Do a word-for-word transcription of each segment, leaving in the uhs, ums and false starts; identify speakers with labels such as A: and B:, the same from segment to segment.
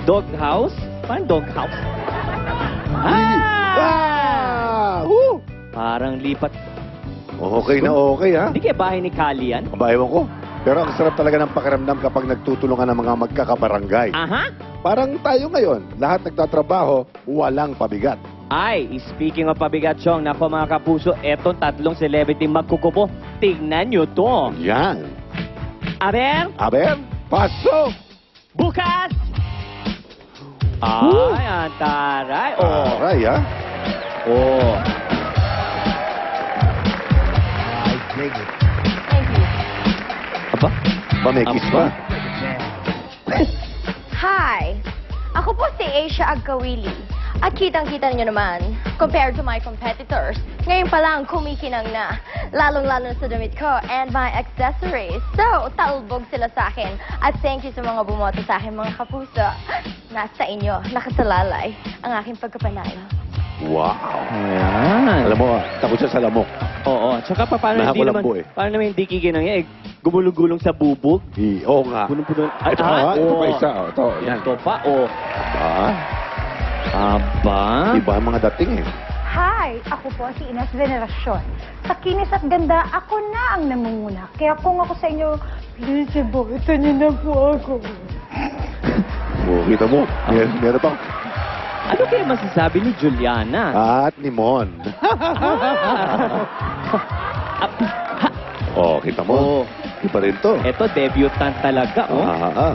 A: Doghouse? Parang doghouse?
B: Ah!
A: Ah!
B: Woo!
A: Parang lipat.
B: Okay na okay, ha?
A: Hindi kaya bahay ni Kali yan?
B: Aba, ewan ko. Pero ang sarap talaga ng pakiramdam kapag nagtutulungan ng mga magkakabarangay.
A: Aha!
B: Parang tayo ngayon, lahat nagtatrabaho, walang pabigat.
A: Ay, speaking of pabigat, Chong, nako mga kapuso, etong tatlong celebrity magkukupo. Tingnan nyo to.
B: Yan.
A: Aber,
B: Aber, pasok!
A: bukas! Ay, ang taray. Oh.
B: Aray, ha?
A: Oh.
C: Thank you.
A: Aba?
B: Ba, may kiss ba?
D: Hi! Ako po si Asia Agkawili. At kitang-kita niyo naman, compared to my competitors, ngayon pa lang kumikinang na. Lalong-lalo na sa damit ko and my accessories. So, talbog sila sa akin. At thank you sa mga bumoto sa akin, mga kapuso. Nasa inyo, nakasalalay, ang aking pagkapanalo.
B: Wow.
A: Ayan.
B: Alam mo, takot siya sa lamok.
A: Oo, tsaka pa, paano hindi naman,
B: Nakakulambo eh.
A: paano naman hindi kikinang yan, eh, gumulong-gulong sa bubog.
B: Hi, oo nga.
A: Punong-puno. Ay,
B: Ito pa, ito pa
A: oo.
B: isa. oh, Ito, yan.
A: Ito pa, oh.
B: Ah,
A: Aba?
B: iba ang mga dating eh.
E: Hi! Ako po si Ines Veneracion. Sa kinis at ganda, ako na ang namumuna. Kaya kung ako sa inyo, please, iboto niyo na po ako.
B: Oh, kita mo, mer meron pa.
A: Ano kaya masasabi ni Juliana?
B: At ni Mon. Oh, kita mo.
A: Oh,
B: Iba rin to.
A: eto, debutant talaga, oh.
B: Ah, ah.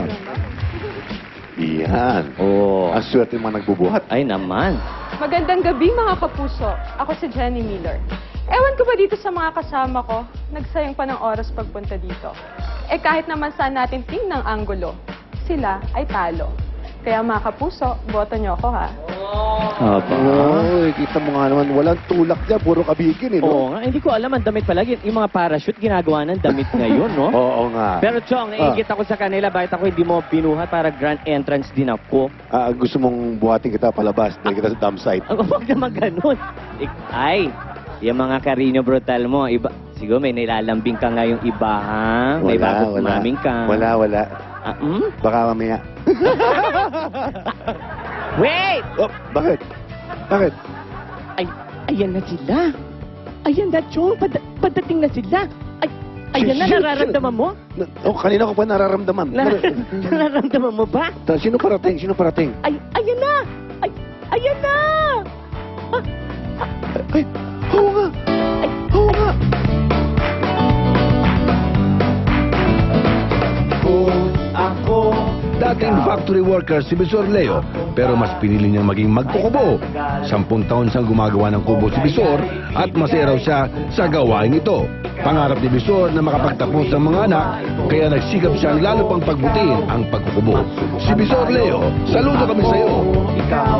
B: Iyan.
A: Oh.
B: Ang swerte yung mga nagbubuhat.
A: Ay naman.
F: Magandang gabi mga kapuso. Ako si Jenny Miller. Ewan ko ba dito sa mga kasama ko, nagsayang pa ng oras pagpunta dito. Eh kahit naman saan natin tingnan ang anggulo, sila ay talo. Kaya mga kapuso, boto niyo ako ha.
A: Aba?
B: Oy, kita mo nga naman, walang tulak dyan, puro kabigin eh,
A: Oo
B: no?
A: nga, hindi ko alam ang damit palagi. Yung mga parachute, ginagawa ng damit ngayon, no?
B: Oo nga.
A: Pero Chong,
B: Ah.
A: naigit ako sa kanila, bakit ako hindi mo binuhat para grand entrance din ako?
B: Ah, gusto mong buhatin kita palabas, dahil kita sa dump site.
A: Ang huwag naman ganun. Ik- Ay, yung mga Carino Brutal mo, iba, siguro may nilalambing ka ngayong iba, ha? May bago kumaming ka.
B: Wala, wala.
A: Ah, hmm?
B: Baka mamaya.
A: Wait!
B: Oh, bakit? Bakit?
A: Ay, ayan na sila. Ayan na, Chong. Pad padating na sila. Ay, ayan na,
B: Sino-
A: nararamdaman mo?
B: Na- Oh, kanina ko pa nararamdaman.
A: Na nararamdaman mo ba?
B: Ta- Sino parating? Sino parating?
A: Ay, ayan na! Ay, ayan na!
B: Ay, oo nga.
A: Ay,
B: Oo nga.
C: Dating factory worker si Bisor Leo, pero mas pinili niyang maging magkukubo. Sampung taon siyang gumagawa ng kubo si Bisor at masaya raw siya sa gawain ito. Pangarap ni Bisor na makapagtapos ng mga anak, kaya nagsikap siyang lalo pang pagbutiin ang pagkukubo. Si Bisor Leo, saludo kami sa iyo.
G: Ikaw,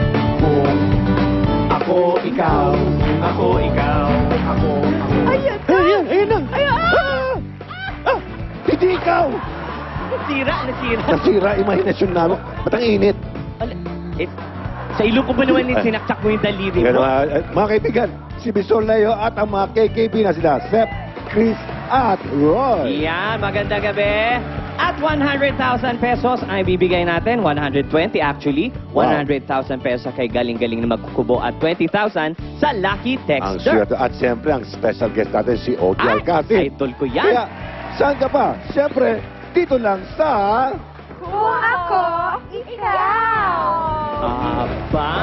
G: ako, ikaw, ako, ikaw, ako, ako.
B: Ayan, ayan na. Ah! Ah! Hindi ikaw.
A: nasira, nasira.
B: Nasira imahinasyon namin. Ba't ang init?
A: Ala, eh, sa ilong ko ba naman yung sinaksak mo yung daliri
B: Ganun,
A: mo?
B: mga, eh, mga kaibigan, si Bisor Leo at ang mga K K B na sila, Sep, Chris, at Roy.
A: Yan, magandang gabi. At one hundred thousand pesos ay bibigay natin. one hundred twenty actually.
B: Wow.
A: one hundred thousand pesos kay galing-galing na magkukubo at twenty thousand sa Lucky
B: Ang
A: Texter.
B: swerte. At siyempre, ang special guest natin, si Ogie
A: Ay,
B: Alcacid.
A: idol ko yan.
B: Kaya, saan ka pa? Siyempre, dito lang sa...
E: Kung ako, ikaw!
A: Aba,